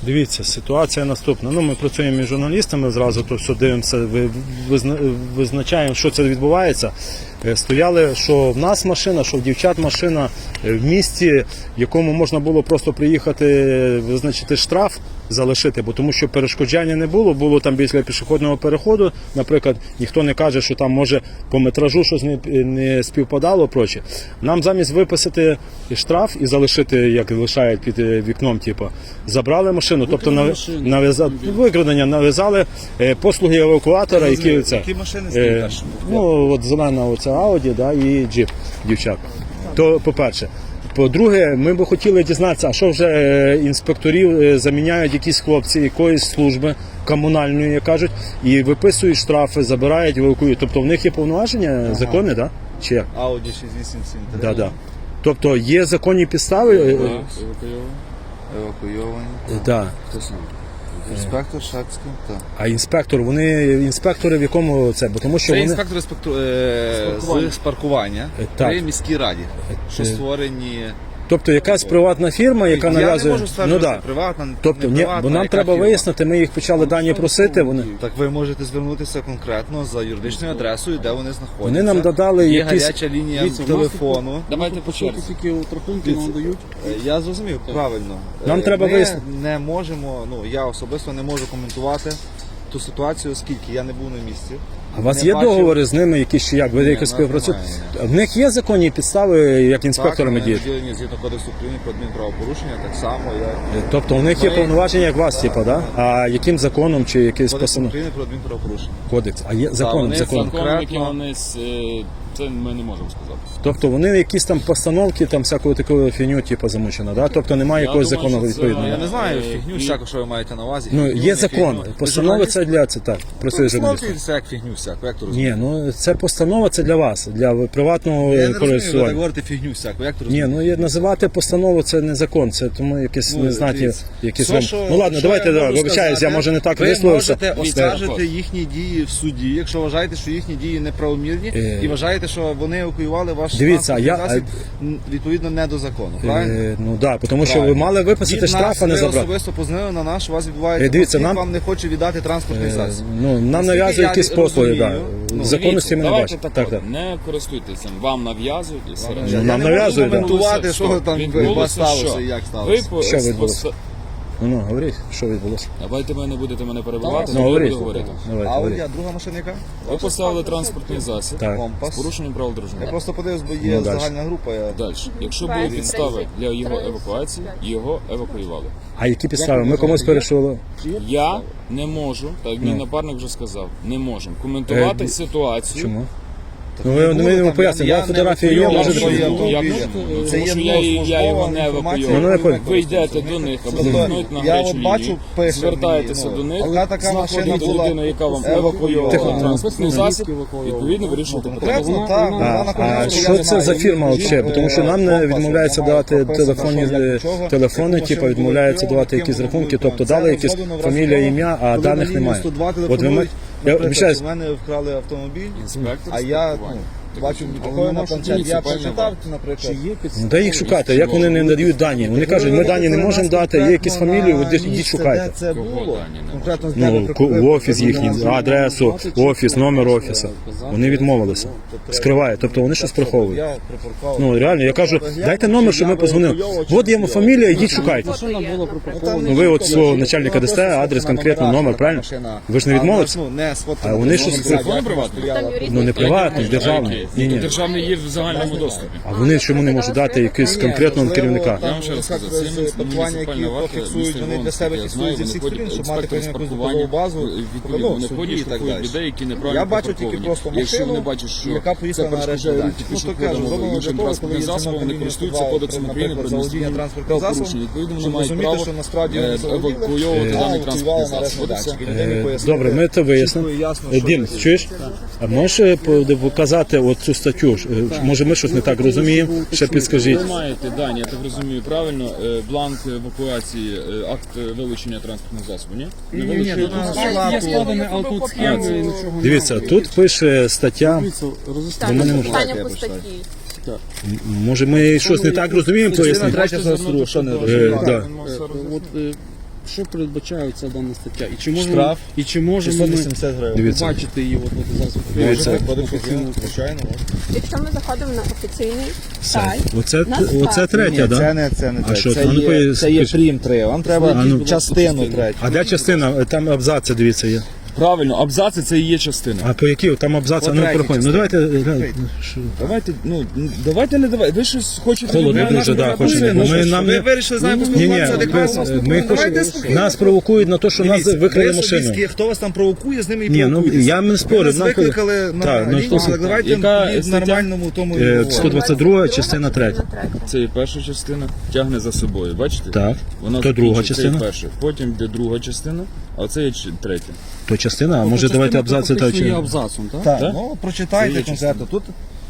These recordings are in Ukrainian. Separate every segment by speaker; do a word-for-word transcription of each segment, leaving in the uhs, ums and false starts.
Speaker 1: Дивіться, ситуація наступна. Ну, ми працюємо із журналістами, зразу то все дивимося, визначаємо, що це відбувається. Стояли, що в нас машина, що в дівчат машина в місті, в якому можна було просто приїхати, визначити штраф, залишити, бо тому що перешкоджання не було, було там біля пішохідного переходу, наприклад, ніхто не каже, що там може по метражу щось не, не співпадало, проче. Нам замість виписати штраф і залишити, як лишають під вікном, типу, забрали машину, тобто нав'язали викрадення, нав'язали послуги евакуатора, які це.
Speaker 2: Які машини стоять?
Speaker 1: Ну, от зелена оця Ауді, да, і джип дівчат. То, по-перше. По-друге, ми б хотіли дізнатися, а що вже інспекторів заміняють якісь хлопці якоїсь служби комунальної, як кажуть, і виписують штрафи, забирають, евакуюють. Тобто в них є повноваження ага. закони, так? Да? Чи як?
Speaker 2: Ауді шість вісім сім три.
Speaker 1: Да, да. Тобто є законні підстави?
Speaker 2: Евакуйовані. Евакуйовані.
Speaker 1: Да.
Speaker 2: Хто сам? Інспектор Шацький, так.
Speaker 1: А інспектор, вони інспектори в якому це? Бо тому що
Speaker 2: це
Speaker 1: вони...
Speaker 2: інспектори з, пакту... е... з паркування при міській раді, що створені...
Speaker 1: Тобто якась приватна фірма, яка
Speaker 2: я
Speaker 1: нав'язує...
Speaker 2: Я не можу стверджувати,
Speaker 1: ну, да.
Speaker 2: приватна,
Speaker 1: тобто,
Speaker 2: не приватна,
Speaker 1: бо нам треба
Speaker 2: фірма.
Speaker 1: вияснити, ми їх почали дані просити. Вони...
Speaker 2: Так ви можете звернутися конкретно за юридичною адресою, де вони знаходяться.
Speaker 1: Вони нам додали
Speaker 2: є
Speaker 1: якісь...
Speaker 2: гаряча лінія Дивіться, телефону.
Speaker 3: Давайте по черзі. Тільки рахунки нам дають.
Speaker 2: Я зрозумів, правильно.
Speaker 1: Нам
Speaker 2: ми
Speaker 1: треба вияснити.
Speaker 2: не можемо, ну я особисто не можу коментувати ту ситуацію, оскільки я не був на місці.
Speaker 1: А у вас
Speaker 2: не
Speaker 1: є
Speaker 2: бачив...
Speaker 1: договори з ними, якісь чи як? Ви якось співпрацюєте? В них є законні підстави, як інспекторами діяти?
Speaker 2: Так, вони згідно Кодексу України про адмінправопорушення, так само як...
Speaker 1: Тобто у них є ми... повноваження, як вас, типу, да? А яким законом чи якийсь постанов?
Speaker 2: Кодекс України про адмінправопорушення.
Speaker 1: Кодекс. А є законом,
Speaker 3: так,
Speaker 1: законом.
Speaker 3: Законом, які вони... Це ми не можемо сказати.
Speaker 1: Тобто вони якісь там постановки, там всякого такого фігню, типу, замучено, да? Тобто немає якогось закону відповідного.
Speaker 2: Я не знаю, фігню всяку, що ви маєте на увазі.
Speaker 1: Ну, є закон. Постанова це для, це так, працює журналіст.
Speaker 2: Постановки це як фігню всяку, як то
Speaker 1: розумієте? Ні, ну це постанова, це для вас, для приватного
Speaker 2: користування. Я не розумію, ви так говорите фігню всяку, як то розумієте?
Speaker 1: Ні, ну є, називати постанову це не закон, це тому якісь ну, незнаті, якісь вам... Ну ладно, давайте, да, вибачаюсь, я може не так висловився.
Speaker 2: Ви можете оскаржити їхні дії в суді, якщо вважаєте, що їхні дії неправомірні
Speaker 1: е...
Speaker 2: і вважаєте, що вони евакуювали ваш
Speaker 1: Дивіться, я...
Speaker 2: засіб відповідно не до закону, правильно?
Speaker 1: Е... Ну так, да, тому що ви мали виписати штраф, а не забрати.
Speaker 2: Ви особисто познали на наш, у вас відбувається,
Speaker 1: е, дивіться,
Speaker 2: конфлікт,
Speaker 1: нам...
Speaker 2: вам не хоче віддати транспортний засіб.
Speaker 1: Ну, нам нав'язують якісь послуги, так.
Speaker 3: Ну,
Speaker 1: законності ми не бачимо.
Speaker 3: Так, так, так. Не користуйтеся, вам нав'язують і все.
Speaker 1: Ну, нам нав'язують, так.
Speaker 2: Коментувати, що там у вас сталося і як сталося.
Speaker 1: Що відбулося? Ну, ну, говоріть, що відбулося.
Speaker 3: Давайте ви не будете мене перебивати,
Speaker 1: ну,
Speaker 3: я
Speaker 1: говоріть.
Speaker 3: буду говорити.
Speaker 2: А от я, друга машина яка?
Speaker 3: Ви поставили транспортний засіб
Speaker 2: Компас.
Speaker 3: з порушенням правил дорожнього
Speaker 2: Я
Speaker 3: руху.
Speaker 2: просто подивився, бо є
Speaker 1: Ну,
Speaker 2: загальна група. Я...
Speaker 3: Далі. Якщо були підстави для його евакуації, його евакуювали.
Speaker 1: А які підстави? Ми комусь перейшли?
Speaker 3: Я не можу, так мій напарник вже сказав, не можемо коментувати
Speaker 1: Е,
Speaker 3: ситуацію.
Speaker 1: Чому? Ну, ви не пояснюєте, я фотографії є, можете
Speaker 3: подивитися. Тому що я, я його не евакуював. Ви йдете до них, або звернуть на гарячу лінію, звертаєтеся до них, знаходите людину, яка вам евакуювала транспортний засіб, відповідно вирішуєте питання.
Speaker 1: А що це за фірма взагалі? Тому що нам не відмовляється давати телефонні телефони, типу відмовляється давати якісь рахунки, тобто дали якісь фамілія, ім'я, а даних немає. От ви Я обіцяю,
Speaker 2: у мене вкрали автомобіль,
Speaker 3: інспектор,
Speaker 2: а я ну, бачу, такою на планшет, я прочитав, наприклад.
Speaker 1: Ну, де їх шукати? Як вони не надають дані? Вони кажуть, ми дані не можемо дати, є якісь фамілії, от ідіть шукайте.
Speaker 2: Це було,
Speaker 1: ну, в офіс їхній, адресу, офіс, номер офісу. Вони відмовилися. Скривають, тобто вони щось приховують. Ну, реально, я кажу, дайте номер, щоб ми позвонили. От є фамілія, ідіть шукайте. Ну, ви от свого начальника дасте, адрес, конкретно, номер, правильно? Ви ж не відмовилися? А вони щось приховують. Ну, не приватний, державний. Ні, ні.
Speaker 3: Державний є в загальному доступі.
Speaker 1: А вони чому не можуть дати якийсь конкретного керівника?
Speaker 3: Я вам ще раз скажу, це муніципальна варта, місто Львовське, я знаю, вони ходять, інспектори з паркування, відповідно, вони ходять, штрафують людей, які неправильно припарковані. Якщо вони бачать, що це перешкоджає пішоходам іншим транспортним засобам, вони користуються Кодексом України про адміністративне правопорушення. Відповідно, вони мають право евакуювати даний транспортний засіб.
Speaker 1: Добре, ми це вияснимо. Дім, чуєш? А можеш показати от цю статтю? Може ми щось не так розуміємо? Ще підскажіть.
Speaker 3: Ви маєте дані, я так розумію правильно, бланк евакуації, акт вилучення транспортного засобу, ні? Не вилучує тут?
Speaker 1: Дивіться, тут пише стаття.
Speaker 4: Питання по статті.
Speaker 1: Може ми щось не так розуміємо, пояснити?
Speaker 2: Третя що не розуміє.
Speaker 3: що передбачає ця дана стаття? І чи можемо,
Speaker 2: Штраф
Speaker 3: і чи можемо
Speaker 2: шістсот
Speaker 3: ми
Speaker 2: вісімдесят гривень.
Speaker 1: Дивіться.
Speaker 3: побачити її от, от зараз?
Speaker 1: Дивіться.
Speaker 2: Кодекс України, звичайно, можна.
Speaker 4: Якщо ми заходимо на офіційний
Speaker 1: Сайт.
Speaker 4: сайт,
Speaker 1: Оце,
Speaker 4: нас
Speaker 1: оце
Speaker 4: вказує.
Speaker 1: третя,
Speaker 2: Ні,
Speaker 1: так?
Speaker 2: це
Speaker 1: Да?
Speaker 2: не, це не
Speaker 1: А
Speaker 2: те.
Speaker 1: що,
Speaker 2: Це,
Speaker 1: а ну,
Speaker 2: є,
Speaker 1: пояс-
Speaker 2: це є
Speaker 1: скажіть.
Speaker 2: прим три. Вам треба
Speaker 1: А ну.
Speaker 2: частину третю.
Speaker 1: А де частина? Там абзаци, дивіться, є.
Speaker 3: Правильно, абзаци це і є частина.
Speaker 1: А по які? Там абзаци,
Speaker 2: По
Speaker 1: ну
Speaker 2: третій
Speaker 1: проходимо. Ну давайте.
Speaker 2: частині.
Speaker 1: е, що?
Speaker 3: Давайте, ну, давайте не давайте. Ви щось хочете...
Speaker 1: Холодно
Speaker 3: від мене
Speaker 1: дуже, да,
Speaker 3: робити?
Speaker 1: хочемо.
Speaker 3: Ну,
Speaker 1: Ми-
Speaker 3: що ж,
Speaker 1: нам
Speaker 2: Ви
Speaker 1: не-
Speaker 2: вирішили з нами
Speaker 1: Ні, ні,
Speaker 2: поспілкуватися адекватно?
Speaker 1: ми, ми
Speaker 2: Давайте
Speaker 1: хочемо,
Speaker 2: спокійно.
Speaker 1: нас провокують на те, що нас
Speaker 2: Дивіться,
Speaker 1: викрили
Speaker 2: ви
Speaker 1: машину.
Speaker 2: особисті, хто вас там провокує, з ними і
Speaker 1: Ні, ну
Speaker 2: провокуйтесь.
Speaker 1: я не спорю.
Speaker 2: Ви нас
Speaker 1: нам коли-
Speaker 2: викликали на
Speaker 1: Так, ну,
Speaker 2: лінію,
Speaker 1: що-
Speaker 2: але давайте
Speaker 3: Яка
Speaker 2: в
Speaker 3: стаття?
Speaker 2: нормальному тому і
Speaker 1: Е,
Speaker 2: говоримо.
Speaker 1: сто двадцять друга частина третя.
Speaker 3: Це є перша частина, тягне за собою, бачите?
Speaker 1: Так.
Speaker 3: Вона
Speaker 1: То друга
Speaker 3: закінчується, це є
Speaker 1: частина?
Speaker 3: перша. Потім йде друга частина, а це є ч- третя.
Speaker 1: То частина, а може давайте абзаци та
Speaker 3: є
Speaker 1: чи.
Speaker 3: абзацом, так?
Speaker 2: Так,
Speaker 3: Так?
Speaker 2: ну
Speaker 3: Це
Speaker 2: прочитайте
Speaker 3: є
Speaker 2: конкретно. Тут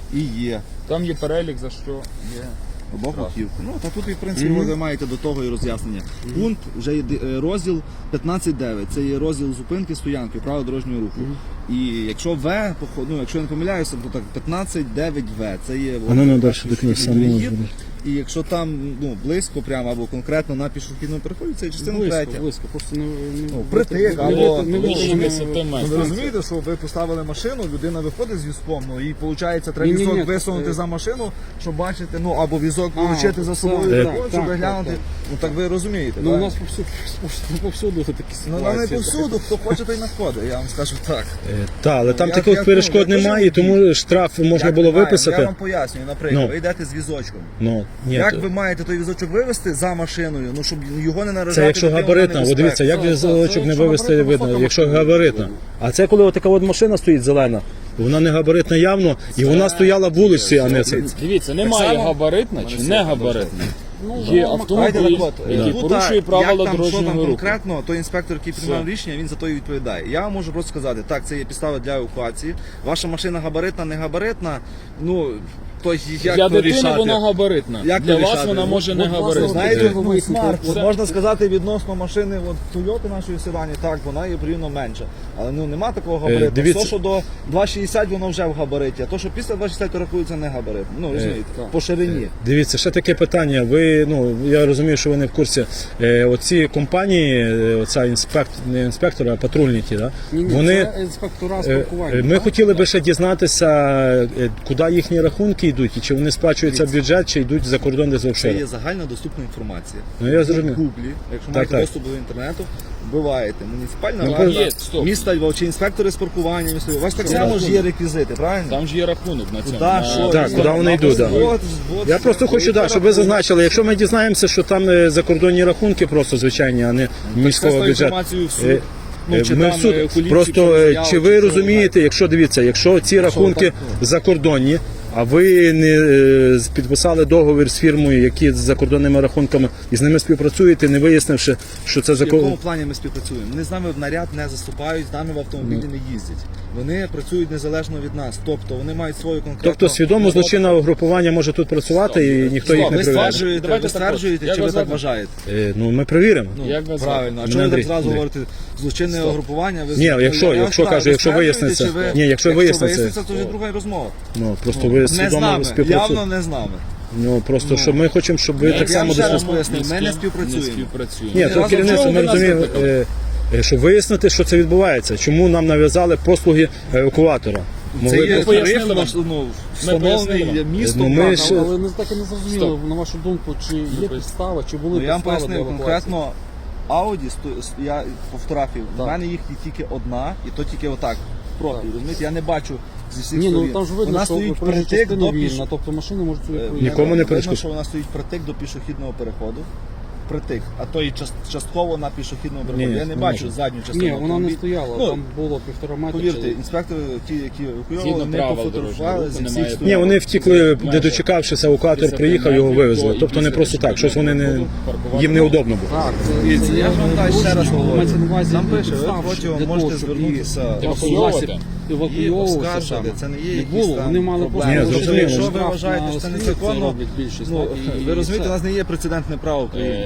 Speaker 2: і є.
Speaker 3: Там є перелік, за що є.
Speaker 2: Обох боків. Ну, та тут, і, в принципі, ви маєте до того і роз'яснення. Пункт, вже є е, розділ п'ятнадцять дев'ять. Це є розділ зупинки, стоянки, правил дорожнього руху. І якщо В, ну, якщо я не помиляюся, то так п'ятнадцять дев'ять В. Це є
Speaker 1: А ну, ну,
Speaker 2: от,
Speaker 1: далі,
Speaker 2: перший
Speaker 1: до кінця,
Speaker 2: пішохідний
Speaker 1: ну,
Speaker 2: перехід. І якщо там ну, близько прямо або конкретно на пішохідному переході, це є частина третя.
Speaker 3: Близько, близько, просто не...
Speaker 2: Ну, притик, або-
Speaker 3: не
Speaker 2: Ближче
Speaker 3: вийшло.
Speaker 2: Ну, ви розумієте, що ви поставили машину, людина виходить з візком, ну і виходить, треба
Speaker 3: Ні-ні-ні,
Speaker 2: візок
Speaker 3: це-
Speaker 2: висунути за машину, щоб бачити, ну або візок
Speaker 3: А,
Speaker 2: получити за собою,
Speaker 3: так,
Speaker 2: так,
Speaker 3: так,
Speaker 2: щоб
Speaker 3: так,
Speaker 2: глянути.
Speaker 3: так.
Speaker 2: Ну так ви розумієте.
Speaker 3: Ну, у
Speaker 2: так?
Speaker 3: нас повсюду, повсюду такі
Speaker 2: Ну,
Speaker 3: ситуації.
Speaker 2: не повсюду, хто хоче, той находить, я вам скажу так.
Speaker 1: Так, але там
Speaker 2: я-
Speaker 1: таких
Speaker 2: я-
Speaker 1: перешкод
Speaker 2: ну, я
Speaker 1: немає,
Speaker 2: теж
Speaker 1: тому штраф можна
Speaker 2: Як
Speaker 1: було
Speaker 2: немає? Я
Speaker 1: виписати.
Speaker 2: вам пояснюю, наприклад,
Speaker 1: Ну.
Speaker 2: ви йдете з візочком.
Speaker 1: Ну, ні,
Speaker 2: Як
Speaker 1: то-
Speaker 2: ви маєте той візочок вивезти за машиною, ну щоб його не наражати?
Speaker 1: Це якщо
Speaker 2: на тему
Speaker 1: габаритна, от
Speaker 2: небезпеку?
Speaker 1: дивіться, як
Speaker 3: Так, так,
Speaker 1: візочок
Speaker 3: це
Speaker 1: не
Speaker 3: якщо
Speaker 1: вивезти
Speaker 3: габаритна,
Speaker 1: видно,
Speaker 3: фото
Speaker 1: якщо
Speaker 3: машини
Speaker 1: габаритна.
Speaker 3: видно.
Speaker 1: А це коли така от машина стоїть зелена, вона не габаритна явно, і вона стояла в вулиці, а не це.
Speaker 3: Дивіться, немає
Speaker 2: само-
Speaker 3: габаритна чи не габаритна. Є
Speaker 2: Давайте
Speaker 3: автомобіль,
Speaker 2: так от,
Speaker 3: який
Speaker 2: тут,
Speaker 3: порушує
Speaker 2: як
Speaker 3: правила
Speaker 2: там, що там
Speaker 3: дорожнього руху.
Speaker 2: конкретно, той інспектор, який приймав
Speaker 3: Все.
Speaker 2: рішення, він за то і відповідає. Я вам можу просто сказати, так, це є підстава для евакуації. Ваша машина габаритна, не габаритна, ну, то як
Speaker 3: Для
Speaker 2: то
Speaker 3: дитини
Speaker 2: рішати?
Speaker 3: вона габаритна.
Speaker 2: Як
Speaker 3: Для
Speaker 2: то
Speaker 3: вас
Speaker 2: рішати?
Speaker 3: вона може не
Speaker 2: От, власне,
Speaker 3: габаритна.
Speaker 2: знаєте,
Speaker 3: Е,
Speaker 2: ну, смарт, от
Speaker 3: Це-
Speaker 2: можна сказати відносно машини от, Toyota нашої седані, так, вона є порівняно менша. Але ну, нема такого габариту.
Speaker 1: дивіться.
Speaker 2: То, що до два шістдесят воно вже в габариті, а то, що після два шістдесят рахується не габарит. Ну, розумієте,
Speaker 3: так.
Speaker 2: по ширині.
Speaker 1: Дивіться, ще таке питання. Ви, ну, я розумію, що ви не в курсі. Е, оці компанії, е, оця інспектор, не інспектори, а патрульні ті, да?
Speaker 3: Ні, ні,
Speaker 1: вони,
Speaker 3: це інспектора
Speaker 1: е,
Speaker 3: спілкування.
Speaker 1: е, ми хотіли би ще дізнатися, е, куди їхні рахунки йдуть, і чи вони сплачуються в бюджет, чи йдуть за кордон десь
Speaker 2: Це
Speaker 1: офшори.
Speaker 2: є загально доступна інформація.
Speaker 1: Ну, я зрозумів.
Speaker 2: В Гуглі, якщо
Speaker 1: Так,
Speaker 2: маєте
Speaker 1: так.
Speaker 2: доступ до інтернету, вбиваєте муніципальна
Speaker 1: Ну,
Speaker 2: варта,
Speaker 3: є, стоп.
Speaker 2: міста Львова, чи інспектори з паркування, міста Львова. У вас так само ж є реквізити, правильно?
Speaker 3: Там ж є рахунок на цьому.
Speaker 2: Куди,
Speaker 3: на-
Speaker 2: що?
Speaker 1: Так, куди вони йдуть, да.
Speaker 2: От, от,
Speaker 1: Я просто хочу, да, щоб ви зазначили, якщо ми дізнаємося, що там е, закордонні рахунки просто звичайні, а не міського
Speaker 2: Це
Speaker 1: бюджету.
Speaker 2: інформацію в суд.
Speaker 1: Е,
Speaker 2: Ну,
Speaker 1: Е,
Speaker 2: чи
Speaker 1: Ми
Speaker 2: там,
Speaker 1: в суд.
Speaker 2: е, куліпсі,
Speaker 1: Просто
Speaker 2: чи
Speaker 1: е,
Speaker 2: заяву,
Speaker 1: чи
Speaker 2: чи
Speaker 1: ви
Speaker 2: що
Speaker 1: розумієте, якщо дивіться, якщо ці рахунки
Speaker 2: так, ну.
Speaker 1: закордонні, а ви не е, з- підписали договір з фірмою, які з закордонними рахунками, і з ними співпрацюєте, не вияснивши, що це
Speaker 2: В якому
Speaker 1: закон.
Speaker 2: плані ми співпрацюємо? Вони з нами в наряд не заступають, з нами в автомобілі
Speaker 1: Ну.
Speaker 2: не їздять. Вони працюють незалежно від нас. Тобто вони мають свою конкретну...
Speaker 1: Тобто свідомо злочинне угрупування може тут працювати і ніхто їх
Speaker 2: Ви
Speaker 1: не перевіряє.
Speaker 2: стверджуєте,
Speaker 3: Давайте
Speaker 2: ви
Speaker 3: так от.
Speaker 2: стверджуєте,
Speaker 3: Як
Speaker 2: чи ви
Speaker 3: вас
Speaker 2: так
Speaker 3: звати?
Speaker 2: вважаєте?
Speaker 1: Е, Ну ми перевіримо.
Speaker 2: Ну,
Speaker 3: Як вас
Speaker 2: правильно. А
Speaker 1: звати?
Speaker 2: чому ви
Speaker 1: Андрій,
Speaker 2: так зразу
Speaker 1: Андрій.
Speaker 2: говорите злочинне угрупування? Ви
Speaker 1: Ні,
Speaker 2: ну,
Speaker 1: якщо-
Speaker 2: я вам
Speaker 1: якщо,
Speaker 2: питаю,
Speaker 1: кажу,
Speaker 2: ви
Speaker 1: якщо
Speaker 2: стверджуєте,
Speaker 1: виясниться-
Speaker 2: чи ви-
Speaker 1: Ні, якщо виясниться-
Speaker 2: виясниться, то вже друга розмова.
Speaker 1: Ну просто ви
Speaker 2: Не з
Speaker 1: свідомо
Speaker 2: нами,
Speaker 1: співпрацюєте.
Speaker 2: явно не з нами.
Speaker 1: Ну просто що ми хочемо, щоб ви
Speaker 2: Я
Speaker 1: так само
Speaker 2: вам ще раз
Speaker 1: дослухали.
Speaker 2: поясню, ми не
Speaker 3: Ні з ким
Speaker 2: співпрацюємо.
Speaker 3: Не співпрацюємо.
Speaker 1: Ні,
Speaker 2: Ні,
Speaker 1: то
Speaker 2: разом
Speaker 1: керівництво
Speaker 2: чого
Speaker 1: ми
Speaker 2: ви нас
Speaker 1: розуміємо,
Speaker 2: викликали?
Speaker 1: е, е, щоб вияснити, що це відбувається. Чому нам нав'язали послуги евакуатора?
Speaker 2: Це
Speaker 1: Могли
Speaker 2: є
Speaker 1: б-
Speaker 3: пояснили
Speaker 2: тариф,
Speaker 3: вам.
Speaker 2: наш, ну,
Speaker 3: пояснили
Speaker 2: встановлений
Speaker 3: вам.
Speaker 2: містом.
Speaker 1: Ну, ми
Speaker 2: правда,
Speaker 1: ж-
Speaker 3: Але не так і не зрозуміло, на вашу думку, чи є підстава, чи були
Speaker 2: Ну, я вам
Speaker 3: підстави для
Speaker 2: пояснив
Speaker 3: евакуації?
Speaker 2: конкретно Audi, сто- с- я по фотографії, в
Speaker 3: Так.
Speaker 2: мене їх є тільки одна, і то тільки отак. Профіль, розумієте, я не бачу зі всіх
Speaker 3: Ні, ну
Speaker 2: сторін.
Speaker 3: там ж видно,
Speaker 2: Вона
Speaker 3: що
Speaker 2: стоїть
Speaker 3: проїжджа
Speaker 2: притик
Speaker 3: частина
Speaker 2: до піш...
Speaker 3: вільна, тобто машини можуть собі
Speaker 2: Е,
Speaker 3: проїжджати.
Speaker 1: Нікому не
Speaker 2: видно,
Speaker 1: перешкоджає.
Speaker 2: що вона стоїть притик до пішохідного переходу. Притик, а то і част- частково на пішохідному переході.
Speaker 1: Ні,
Speaker 2: я не
Speaker 1: не
Speaker 2: бачу
Speaker 1: може.
Speaker 2: задню частину.
Speaker 3: Ні, вона не
Speaker 2: автомобіля.
Speaker 3: стояла,
Speaker 2: Ну,
Speaker 3: там було півтора метра.
Speaker 2: Повірте,
Speaker 3: чи-
Speaker 2: інспектори, ті, які евакуювали,
Speaker 3: Згідно
Speaker 2: не
Speaker 3: правил
Speaker 2: пофотографували
Speaker 3: дорожнього
Speaker 2: зі
Speaker 3: руху
Speaker 2: всіх
Speaker 3: немає
Speaker 2: сторін.
Speaker 1: Ні, вони втікли, не
Speaker 3: Майже
Speaker 1: дочекавшися, евакуатор
Speaker 3: п'ятдесят
Speaker 1: приїхав, його
Speaker 3: метрів
Speaker 1: вивезли.
Speaker 3: до-
Speaker 1: Тобто не
Speaker 3: і
Speaker 1: просто так, щось вони не
Speaker 3: паркувати.
Speaker 1: їм неудобно було.
Speaker 3: Так, це,
Speaker 2: Дивіться,
Speaker 3: це
Speaker 2: я ж вам
Speaker 3: не
Speaker 2: далі ще раз
Speaker 3: порушення,
Speaker 2: говорю.
Speaker 3: мається на увазі
Speaker 2: Там пише, ви
Speaker 3: підстав,
Speaker 2: протягом
Speaker 3: для
Speaker 2: можете
Speaker 3: того, щоб
Speaker 2: звернутися
Speaker 3: і
Speaker 2: евакуйовувати.
Speaker 3: засіб
Speaker 2: І
Speaker 3: евакуйовувався
Speaker 2: оскаржити,
Speaker 3: саме.
Speaker 2: це не є
Speaker 3: Не
Speaker 2: якісь
Speaker 3: було,
Speaker 2: там
Speaker 3: вони мали
Speaker 2: проблеми.
Speaker 1: Ні,
Speaker 3: просто
Speaker 1: зрозуміло.
Speaker 2: Якщо ви
Speaker 3: штраф
Speaker 2: вважаєте,
Speaker 3: на
Speaker 2: що це
Speaker 3: слід,
Speaker 2: незаконно,
Speaker 3: роблять більшість,
Speaker 2: ну,
Speaker 3: так, і-
Speaker 2: ви
Speaker 3: і
Speaker 2: розумієте,
Speaker 3: все.
Speaker 2: у нас не є прецедентне право в країні.
Speaker 3: Е,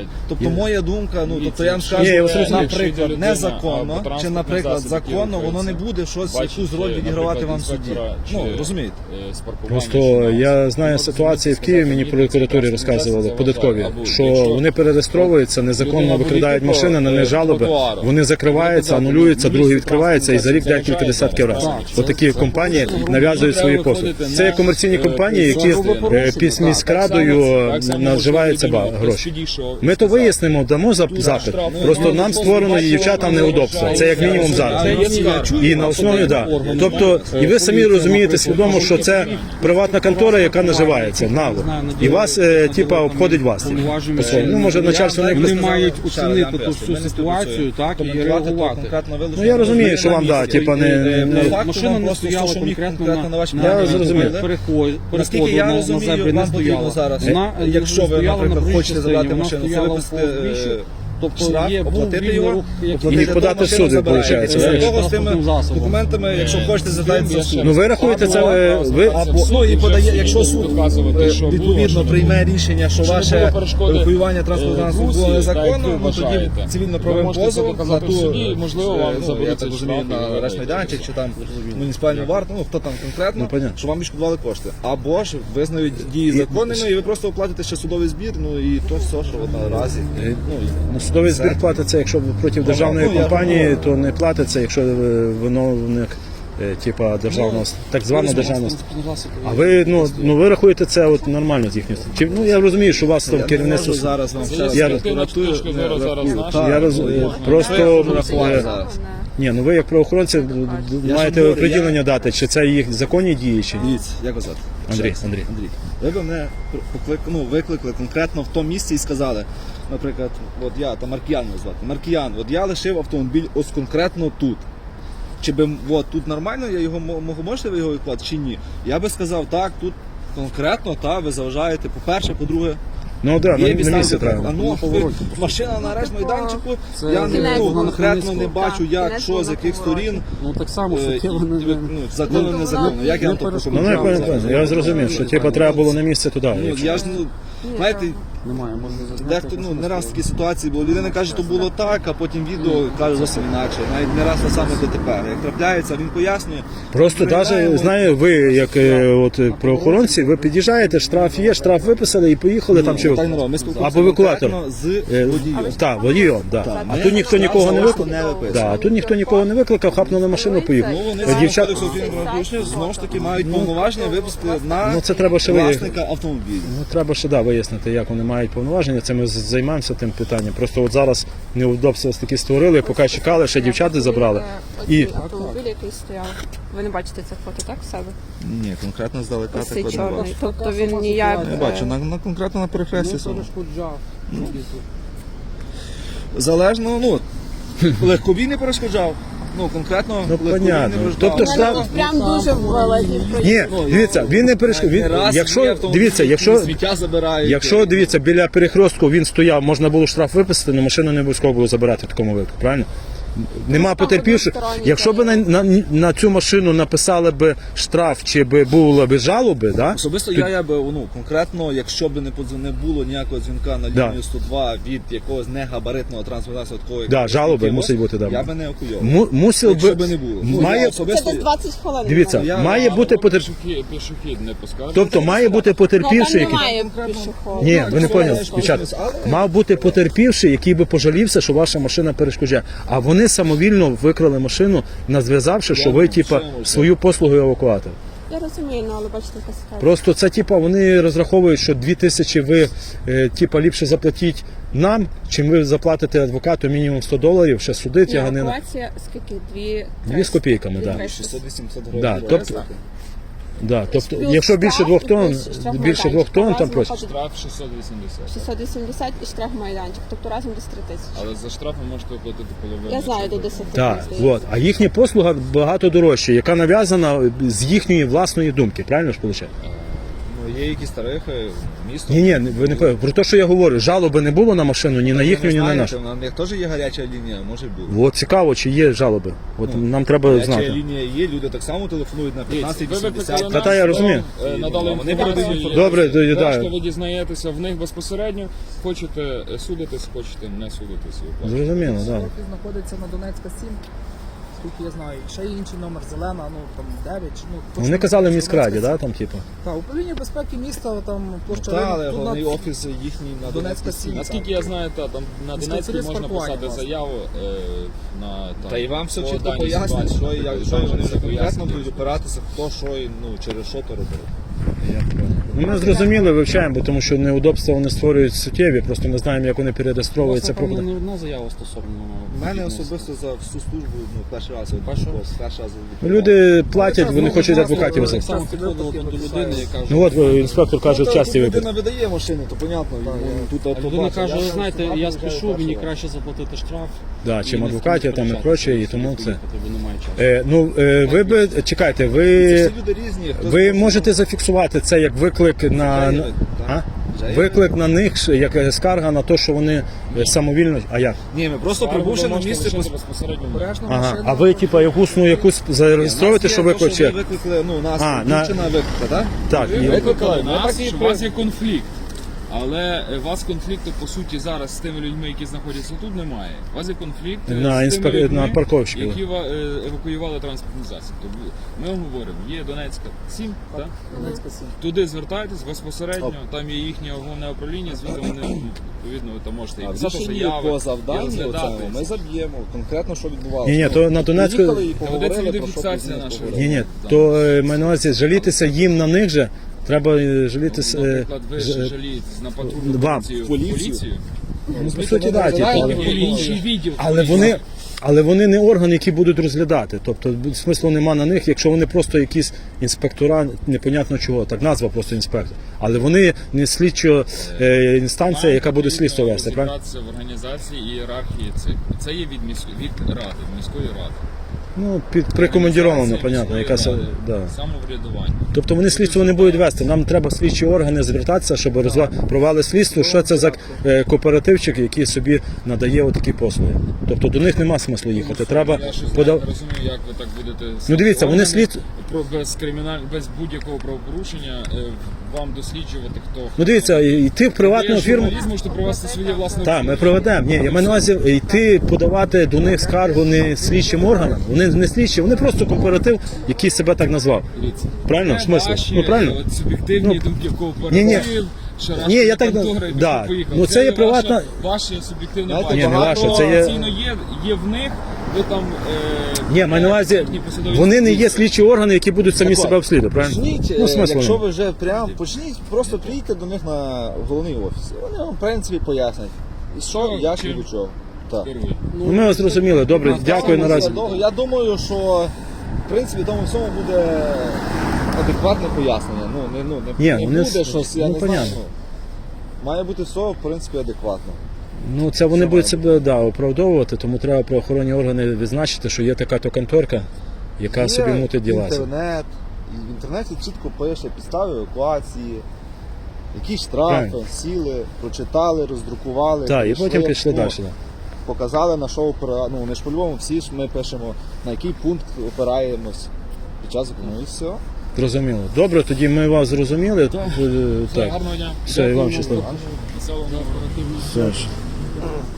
Speaker 2: Тобто моя думка, ну тобто я вам скажу,
Speaker 1: Ні, я вас розумію.
Speaker 2: наприклад, незаконно, чи, наприклад, законно, воно не буде щось, якусь роль відігравати вам в суді. Ну, розумієте?
Speaker 1: Просто я знаю ситуації в Києві, мені прокуратурі розказували, податкові, що вони перереєстровуються, незаконно викрадають машини, на них жалоби, вони закриваються, анулюються, другі відкриваються і за рік декілька десятків разів. Отакі компанії нав'язують свої послуги. Це є комерційні компанії, які е, під міськрадою е, наживаються ба- гроші. Ми то вияснимо, дамо зап- запит. Просто нам створено і дівчатам неудобство. Це як мінімум зараз. І на основі, да. Тобто, і ви самі розумієте свідомо, що це приватна контора, яка наживається нагло. І вас, е, типа, обходить вас. По-своєму. Ну, може, начальство не
Speaker 5: Вони
Speaker 1: якось-
Speaker 5: мають оцінити ту всю ситуацію, так, і реагувати.
Speaker 1: Ну, я розумію, що вам, да, типа, не... не-
Speaker 2: Машина
Speaker 5: Машина не стояла конкретно на,
Speaker 2: вашій
Speaker 1: Я зрозумів.
Speaker 5: переход-
Speaker 2: Наскільки
Speaker 5: переходу
Speaker 2: я
Speaker 5: на, на
Speaker 2: розумію,
Speaker 5: зебрі не
Speaker 2: вам потрібно
Speaker 5: стояла.
Speaker 2: зараз,
Speaker 5: Вона, е,
Speaker 2: якщо ви,
Speaker 5: стояла на
Speaker 2: наприклад,
Speaker 5: проїжджій
Speaker 2: хочете
Speaker 5: частині,
Speaker 2: забрати
Speaker 5: вона
Speaker 2: машину, це
Speaker 5: стояла
Speaker 2: виписати,
Speaker 5: в більше.
Speaker 2: е,
Speaker 5: Тобто
Speaker 2: штраф,
Speaker 5: є, був
Speaker 2: оплатити
Speaker 5: вільний
Speaker 2: його,
Speaker 5: рух, який-
Speaker 2: оплатити
Speaker 1: І подати
Speaker 2: машину
Speaker 1: в суд,
Speaker 2: забираєте.
Speaker 1: виходить,
Speaker 2: З
Speaker 1: знаєш.
Speaker 2: того, з тими
Speaker 5: Засобом.
Speaker 2: документами, якщо хочете, звертайтеся в суд.
Speaker 1: Ну, ви рахуєте це, е, ви...
Speaker 2: Або, ну, і подає, якщо суд е, відповідно прийме рішення, що ваше евакуювання транспортного засобу було незаконно, ну тоді цивільно-правовим позовом на ту,
Speaker 6: можливо, вам
Speaker 2: ну, я
Speaker 6: заберуть
Speaker 2: так
Speaker 6: цей
Speaker 2: розумію,
Speaker 6: штраф,
Speaker 2: на
Speaker 6: і
Speaker 2: арешт майданчик, чи там муніципальну варту, ну хто там конкретно,
Speaker 1: Ну, понятно.
Speaker 2: що вам відшкодували кошти. Або ж визнають дії законними, і ви просто оплатите ще судовий збір, ну і то все, що от наразі. Ну,
Speaker 1: Ну, судовий збір платиться, якщо проти державної
Speaker 2: Ну, я
Speaker 1: компанії,
Speaker 2: думаю.
Speaker 1: то не платиться, якщо е, виновник е, типа державного, так звана державна. А ви, ну, ну ви рахуєте це от нормально з їхньої сторони? Чи, ну я розумію, що у вас там
Speaker 2: я не
Speaker 1: керівництво.
Speaker 2: можу зараз вам ще раз
Speaker 1: Я-
Speaker 2: прокуратуру
Speaker 6: точка зору
Speaker 2: не
Speaker 6: зараз
Speaker 2: рахую.
Speaker 6: наша.
Speaker 2: Так,
Speaker 1: Я роз...
Speaker 2: ну,
Speaker 1: просто
Speaker 2: що я можу рахувати
Speaker 1: е,
Speaker 2: зараз?
Speaker 1: ні, ну ви як правоохоронці
Speaker 2: Я
Speaker 1: маєте
Speaker 2: ж говорю,
Speaker 1: определення дати, чи це їх законні дії, чи ні.
Speaker 2: Дивіться, як вас звати?
Speaker 1: Андрій,
Speaker 2: Ще раз.
Speaker 1: Андрій.
Speaker 2: Андрій. Ви б мене поклик... ну, викликали конкретно в тому місці і сказали, наприклад, от я, там Маркіян мене звати. Маркіян, от я лишив автомобіль ось конкретно тут. Чи би от, тут нормально, я його мо- мо- можете ви його відклати, чи ні? Я би сказав, так, тут конкретно, та, ви заважаєте, по-перше, по-друге,
Speaker 1: Ну так,
Speaker 2: є
Speaker 1: на, на
Speaker 2: підстави
Speaker 1: місці
Speaker 2: для- А
Speaker 1: треба.
Speaker 2: ну, ви- машина на арешт майданчику,
Speaker 5: Це
Speaker 2: я не,
Speaker 4: кінець
Speaker 2: ну,
Speaker 4: було
Speaker 2: конкретно не
Speaker 5: Хмельницького.
Speaker 2: бачу,
Speaker 4: Так,
Speaker 2: як,
Speaker 4: кінець
Speaker 2: що,
Speaker 4: було
Speaker 2: з
Speaker 4: на
Speaker 2: яких
Speaker 4: повороті.
Speaker 2: сторін.
Speaker 5: Ну так само,
Speaker 2: Е, і,
Speaker 5: суттєво не...
Speaker 2: ну, законно,
Speaker 4: Ну,
Speaker 2: незаконно. Як я
Speaker 5: не
Speaker 2: вам то
Speaker 5: перешкоджаю.
Speaker 1: Ну, не
Speaker 2: прокоментую?
Speaker 1: пам'ятаю, я зрозумів, що типа треба було на місце туди.
Speaker 2: Ну,
Speaker 1: якщо-
Speaker 2: я ж, ну, знаєте,
Speaker 5: Немає, можна зазняти.
Speaker 2: дехто, ну, не раз такі ситуації було. Людина каже, що було так, а потім відео каже зовсім інакше. Навіть не раз те саме ДТП. Як трапляється, він пояснює.
Speaker 1: Просто
Speaker 2: Приїжджаємо,
Speaker 1: навіть, знаю, ви як е, от, е, правоохоронці, ви під'їжджаєте, штраф є, штраф виписали і поїхали там чи
Speaker 2: так, народ, ми спілкуємося
Speaker 1: або евакуатор.
Speaker 2: конкретно з
Speaker 1: Е,
Speaker 2: водієм.
Speaker 1: Так, водієм, да. А
Speaker 2: Ми
Speaker 1: тут ніхто нікого не
Speaker 2: штраф
Speaker 1: викликав.
Speaker 2: не виписуємо.
Speaker 1: Да, а тут ніхто нікого не викликав, хапнули машину, поїхали.
Speaker 2: Ну, вони
Speaker 1: Е,
Speaker 2: згідно
Speaker 1: Дівчат,
Speaker 2: кодексу України про правопорушення знову ж таки мають повноваження випустити на
Speaker 1: ну це треба ще вияснити.
Speaker 2: власника автомобіля.
Speaker 1: Ну, треба ще да, вияснити, як вони мають повноваження. Це ми з- займаємося тим питанням. Просто от зараз неудобства такі створили, поки чекали, ще дівчата забрали. І
Speaker 4: І автомобіль, який стояв. Ви не бачите це фото, так, в себе?
Speaker 2: Ні, конкретно здалека
Speaker 4: Ось цей
Speaker 2: такого не
Speaker 4: чорний.
Speaker 2: бачу.
Speaker 4: Тобто він ніяк...
Speaker 2: Не бачу, на, на конкретно на перехресті.
Speaker 5: Не
Speaker 2: саме.
Speaker 5: перешкоджав.
Speaker 2: Залежно, ну, легковій не перешкоджав. Ну, конкретно
Speaker 1: Ну,
Speaker 2: легковій
Speaker 1: понятно.
Speaker 2: не перешкоджав.
Speaker 1: Тобто штраф-
Speaker 4: Прям дуже великий проїзд.
Speaker 1: ні, дивіться, він не перешкод.
Speaker 2: Не
Speaker 1: Він,
Speaker 2: раз є
Speaker 1: якщо
Speaker 2: автомобілі,
Speaker 1: дивіться,
Speaker 2: які
Speaker 1: якщо
Speaker 2: сміття забирають.
Speaker 1: Якщо дивіться, біля перехрестку він стояв, можна було штраф виписати, але машину не обов'язково було забирати в такому випадку, правильно? Нема потерпівших.
Speaker 4: односторонній
Speaker 1: Якщо б на, на, на цю машину написали б штраф чи б було б жалоби, да?
Speaker 2: Особисто я, я би, ну, конкретно, якщо б не, подз- не було ніякого дзвінка на
Speaker 1: Да.
Speaker 2: лінію сто два від якогось негабаритного транспортного засобу, такого, як
Speaker 1: Да, жалоби
Speaker 2: «Київоз»,
Speaker 1: мусить бути, да.
Speaker 2: я би не евакуйовував.
Speaker 1: Му- мусив
Speaker 2: Якщо
Speaker 1: би,
Speaker 2: би не було. Ну,
Speaker 1: має,
Speaker 2: я
Speaker 4: Це
Speaker 2: особисто,
Speaker 4: десь двадцять хвилин.
Speaker 1: дивіться,
Speaker 2: Я-
Speaker 1: має бути потер...
Speaker 6: Пішохід, пішохід не поскаржить.
Speaker 1: тобто має бути
Speaker 4: Ну, там
Speaker 1: потерпівший, який...
Speaker 4: немає пішоходу.
Speaker 1: Ні, ви не
Speaker 2: Ну,
Speaker 1: поняли,
Speaker 2: що,
Speaker 1: дівчата.
Speaker 2: але-
Speaker 1: Мав бути потерпівший, який би пожалівся, що ваша машина перешкоджає. А вони самовільно викрали машину, назв'язавши, що ви, типа, свою послугу евакуатор.
Speaker 4: Я розумію, ну, але бачите, яка ситуація.
Speaker 1: Просто це, типа, вони розраховують, що дві тисячі ви, е, типа, ліпше заплатіть нам, чим ви заплатите адвокату мінімум сто доларів, ще суди
Speaker 4: Ні,
Speaker 1: тяганина.
Speaker 4: евакуація скільки? Дві...
Speaker 1: Дві з копійками,
Speaker 4: Дві
Speaker 1: так. Да.
Speaker 4: триста.
Speaker 2: шістсот-вісімсот
Speaker 1: Да,
Speaker 2: гривень.
Speaker 1: тобто- Да, тобто,
Speaker 4: Плюс
Speaker 1: якщо більше
Speaker 4: штраф
Speaker 1: двох
Speaker 4: і
Speaker 1: тонн,
Speaker 4: плюс штраф
Speaker 1: більше двох
Speaker 4: майданчик.
Speaker 1: тонн, там
Speaker 4: Разом
Speaker 1: просять.
Speaker 4: виходить
Speaker 6: Штраф шістсот вісімдесят.
Speaker 4: шістсот вісімдесят і штраф майданчик. Тобто разом десь три тисячі.
Speaker 6: Але за штраф ви можете оплатити половину.
Speaker 4: Я знаю, до
Speaker 6: чи-
Speaker 4: десяти.
Speaker 1: Так,
Speaker 4: здається.
Speaker 1: от. А їхня послуга багато дорожча, яка нав'язана з їхньої власної думки. Правильно ж виходить?
Speaker 2: Ну, є якісь тарифи, Місто.
Speaker 1: Ні, ні, ви не пов- про те, що я говорю, жалоби не було на машину, ні на їхню, ні на
Speaker 2: знаєте,
Speaker 1: нашу.
Speaker 2: на них теж є гаряча лінія, може бути.
Speaker 1: От цікаво, чи є жалоби. От
Speaker 2: Ну,
Speaker 1: нам треба
Speaker 2: Гаряча
Speaker 1: знати.
Speaker 2: лінія є, люди так само телефонують на п'ятнадцять
Speaker 6: Ви викликали
Speaker 2: вісімдесят.
Speaker 1: Та, та, я
Speaker 6: нас,
Speaker 1: розумію.
Speaker 6: вам, е, надали
Speaker 2: Вони
Speaker 6: інформацію.
Speaker 2: передають
Speaker 1: Добре, то, да.
Speaker 6: Решта ви дізнаєтеся в них безпосередньо. Хочете е, судитись, хочете не судитись. і оплачуєте.
Speaker 1: Зрозуміло, так. Да.
Speaker 7: Офіс знаходиться на Донецька сім. Скільки я знаю, ще є інший номер зелена, ну там дев'ять. чи, Ну, точно
Speaker 1: Вони казали в
Speaker 7: Донецька
Speaker 1: міськраді,
Speaker 7: сім.
Speaker 1: да, там, типу.
Speaker 7: Так, управління безпеки міста, там площа
Speaker 2: Так, але
Speaker 7: Ринок, тут
Speaker 2: головний
Speaker 7: на-
Speaker 2: офіс їхній на
Speaker 7: Донецька
Speaker 2: Донецька
Speaker 7: сім.
Speaker 2: сім.
Speaker 6: Наскільки я знаю, та, там на
Speaker 7: Міський
Speaker 6: Донецькій
Speaker 7: сервіс
Speaker 6: можна
Speaker 7: паркування,
Speaker 6: писати
Speaker 7: власне.
Speaker 6: заяву е, на там,
Speaker 2: Та і вам все
Speaker 6: по
Speaker 2: чітко
Speaker 6: даній
Speaker 2: пояснять,
Speaker 6: ситуації.
Speaker 2: що, і як, що
Speaker 6: Там
Speaker 2: вони
Speaker 6: все
Speaker 2: конкретно
Speaker 6: пояснюють.
Speaker 2: будуть опиратися, хто що і ну, через що то робив.
Speaker 1: Ну, ми зрозуміли, вивчаємо, бо тому що неудобства вони створюють суттєві, просто не знаємо, як вони перереєстровуються.
Speaker 5: Власне, там
Speaker 1: Про-
Speaker 5: не одна заява стосовно.
Speaker 2: У мене
Speaker 5: фітнесу.
Speaker 2: особисто за всю службу ну, перший раз от,
Speaker 5: Перший
Speaker 2: от,
Speaker 5: раз?
Speaker 2: перший раз
Speaker 1: Ну, люди платять, вони
Speaker 7: Ну,
Speaker 1: хочуть
Speaker 7: власне,
Speaker 1: адвокатів
Speaker 7: так
Speaker 1: взяти.
Speaker 7: само
Speaker 5: Саме підходило до людини, яка
Speaker 1: Ну от е, інспектор каже, в часті
Speaker 2: людина
Speaker 1: випадку.
Speaker 2: видає машини, то понятно, йому тут
Speaker 5: А
Speaker 2: от
Speaker 5: людина
Speaker 2: побачить.
Speaker 5: каже,
Speaker 2: Я
Speaker 5: ви
Speaker 2: ж
Speaker 5: знаєте,
Speaker 2: автомат
Speaker 5: я
Speaker 2: виїжджаю
Speaker 5: спішу, мені
Speaker 2: перший раз.
Speaker 5: краще заплатити штраф.
Speaker 1: Да, чим
Speaker 5: і не
Speaker 1: адвокатів там і
Speaker 5: сперечатися,
Speaker 1: проче, і
Speaker 5: собі
Speaker 1: тому це.
Speaker 5: поїхати, бо немає часу.
Speaker 1: Е, ну, е, ви би, чекайте,
Speaker 2: Це
Speaker 1: ви,
Speaker 2: всі люди різні. хтось
Speaker 1: ви
Speaker 2: просто-
Speaker 1: можете зафіксувати це як виклик на...
Speaker 2: Вже є
Speaker 1: на-
Speaker 2: вид,
Speaker 1: А?
Speaker 2: так. Вже є
Speaker 1: Виклик на них, ш- як е, скарга на те, що вони е, самовільно... А як?
Speaker 2: Ні, ми просто
Speaker 6: Скаргу
Speaker 2: прибувши
Speaker 6: ви
Speaker 2: на
Speaker 6: можете
Speaker 2: місце,
Speaker 6: лишити
Speaker 2: пос-
Speaker 6: безпосередньо.
Speaker 7: Обережно
Speaker 1: Ага.
Speaker 7: машина.
Speaker 1: А ви, типа, якусь, ну, якусь зареєструєте, що виклик
Speaker 2: викличе.
Speaker 1: чи...
Speaker 2: Ви викликали, ну, нас
Speaker 1: А,
Speaker 2: дівчина виклика, так?
Speaker 1: Так,
Speaker 6: Ви
Speaker 1: і-
Speaker 6: викликали
Speaker 2: Ми
Speaker 6: нас,
Speaker 2: так і
Speaker 6: що у вас є конфлікт. Але е, у вас конфлікту, по суті, зараз з тими людьми, які знаходяться тут, немає. У вас є конфлікт е,
Speaker 1: На
Speaker 6: з
Speaker 1: інспек-
Speaker 6: тими людьми,
Speaker 1: на парковщиків.
Speaker 6: які ва- е, евакуювали транспортний засіб. Тобто ми вам говоримо, є Донецька сім, так?
Speaker 7: Донецька сім.
Speaker 6: Туди звертайтесь безпосередньо, там є їхнє головне управління, звідти вони, відповідно, ви там можете і
Speaker 2: А в
Speaker 6: писати
Speaker 2: рішенні
Speaker 6: заяви,
Speaker 2: по
Speaker 6: і
Speaker 2: завданню
Speaker 6: розглядати.
Speaker 2: оцьому ми заб'ємо конкретно, що відбувалося.
Speaker 1: Ні, ні, то на Донецьку-
Speaker 2: Приїхали і
Speaker 6: Та
Speaker 2: поговорили,
Speaker 6: ведеться
Speaker 2: про що
Speaker 6: відеофіксація
Speaker 2: пізніше
Speaker 6: наша.
Speaker 2: поговорили.
Speaker 1: Ні, ні,
Speaker 6: Да.
Speaker 1: то е, маю на увазі жалітися їм на них же, треба е, жалітися... е,
Speaker 6: Наприклад, ви
Speaker 1: ж-
Speaker 6: ж
Speaker 1: е,
Speaker 6: жалієтесь на патрульну
Speaker 1: вам.
Speaker 6: поліцію,
Speaker 2: Поліцію.
Speaker 6: поліцію.
Speaker 1: Ну, по суті, да, типу,
Speaker 2: Знаєте,
Speaker 1: але...
Speaker 6: Є інший відділ.
Speaker 1: Але вони, але вони не органи, які будуть розглядати. Тобто смислу нема на них, якщо вони просто якісь інспектора, непонятно чого, так назва просто інспектор. Але вони не слідчо е, інстанція, яка буде слідство вести, правильно?
Speaker 6: Розібратися в організації і ієрархії цих. Це є від, міс... від ради, міської ради.
Speaker 1: Ну, під прикомандіровано,
Speaker 6: Організації
Speaker 1: понятно,
Speaker 6: міської
Speaker 1: яка
Speaker 6: ради,
Speaker 1: да.
Speaker 6: самоврядування.
Speaker 1: Тобто вони слідство не будуть вести. Нам треба слідчі органи звертатися, щоб розва... провели слідство, що це за е, кооперативчик, який собі надає отакі послуги. Тобто до них нема смислу їхати. Треба
Speaker 6: Я щось
Speaker 1: подав...
Speaker 6: не розумію, як ви так будете...
Speaker 1: Ну дивіться, вони
Speaker 6: органи
Speaker 1: слід.
Speaker 6: про- без криміналь... без будь-якого правопорушення е, вам досліджувати, хто...
Speaker 1: Ну дивіться, йти в приватну
Speaker 6: Ви
Speaker 1: фірму.
Speaker 6: журналіст, можете провести своє власне...
Speaker 1: Так, ми проведемо. Ні, я маю на увазі йти подавати до них скаргу не слідчим органам. Вони не слідчі, вони просто кооператив, який себе так назвав.
Speaker 6: Дивіться.
Speaker 1: Правильно? В
Speaker 6: Це
Speaker 1: смислі?
Speaker 6: ваші,
Speaker 1: Ну, правильно?
Speaker 6: е, от суб'єктивні
Speaker 1: Ну,
Speaker 6: думки в кооператив,
Speaker 1: ні-ні.
Speaker 6: шарашки
Speaker 1: Ні, я так-
Speaker 6: контори, і
Speaker 1: да.
Speaker 6: поїхали.
Speaker 1: Ну, це є
Speaker 6: ваша-
Speaker 1: приватна-
Speaker 6: Ваше суб'єктивне
Speaker 2: Знаєте,
Speaker 6: бачення.
Speaker 1: Ні, не
Speaker 2: багато
Speaker 1: ваше, це є-
Speaker 6: Офіційно є, є в них, ви там... Е,
Speaker 1: Ні, маю на увазі,
Speaker 6: їхні посадові
Speaker 1: вони не є
Speaker 6: інструкції.
Speaker 1: слідчі органи, які будуть самі
Speaker 2: Так
Speaker 1: себе
Speaker 2: от,
Speaker 1: обслідувати, правильно?
Speaker 2: Почніть,
Speaker 1: Ну,
Speaker 2: е,
Speaker 1: смислу
Speaker 2: якщо
Speaker 1: нема.
Speaker 2: ви вже прям почніть, просто приїдьте до них на головний офіс. Вони вам, в принципі, пояснять. І що,
Speaker 6: Що,
Speaker 2: як і
Speaker 6: чим?
Speaker 2: до чого. Так.
Speaker 6: Первий.
Speaker 1: Ну, ми вас зрозуміли, добре, дякую наразі.
Speaker 2: Я думаю, що в принципі тому всьому буде адекватне пояснення. Ну, не, ну, не,
Speaker 1: Ні,
Speaker 2: не
Speaker 1: вони
Speaker 2: буде
Speaker 1: с-
Speaker 2: щось, я
Speaker 1: ну,
Speaker 2: не
Speaker 1: понятно.
Speaker 2: знаю. Ну, має бути все, в принципі, адекватно.
Speaker 1: Ну, це вони будуть себе да, оправдовувати, тому треба правоохоронні органи відзначити, що є така то конторка, яка
Speaker 2: Є
Speaker 1: собі мутить діла.
Speaker 2: інтернет, і в інтернеті чітко пише підстави евакуації, які штрафи,
Speaker 1: Правильно.
Speaker 2: сіли, прочитали, роздрукували.
Speaker 1: Так, і
Speaker 2: прийшли,
Speaker 1: потім пішли
Speaker 2: ну,
Speaker 1: далі. Да.
Speaker 2: Показали на що опира... ну не ж по-любому, всі ж ми пишемо, на який пункт опираємось під час ну і все.
Speaker 1: Зрозуміло. Добре, тоді ми вас зрозуміли.
Speaker 6: Так.
Speaker 1: Е,
Speaker 6: Все,
Speaker 1: Так.
Speaker 6: гарного дня.
Speaker 1: Все, і вам щасливо.
Speaker 6: Веселого дня.
Speaker 1: Все ж.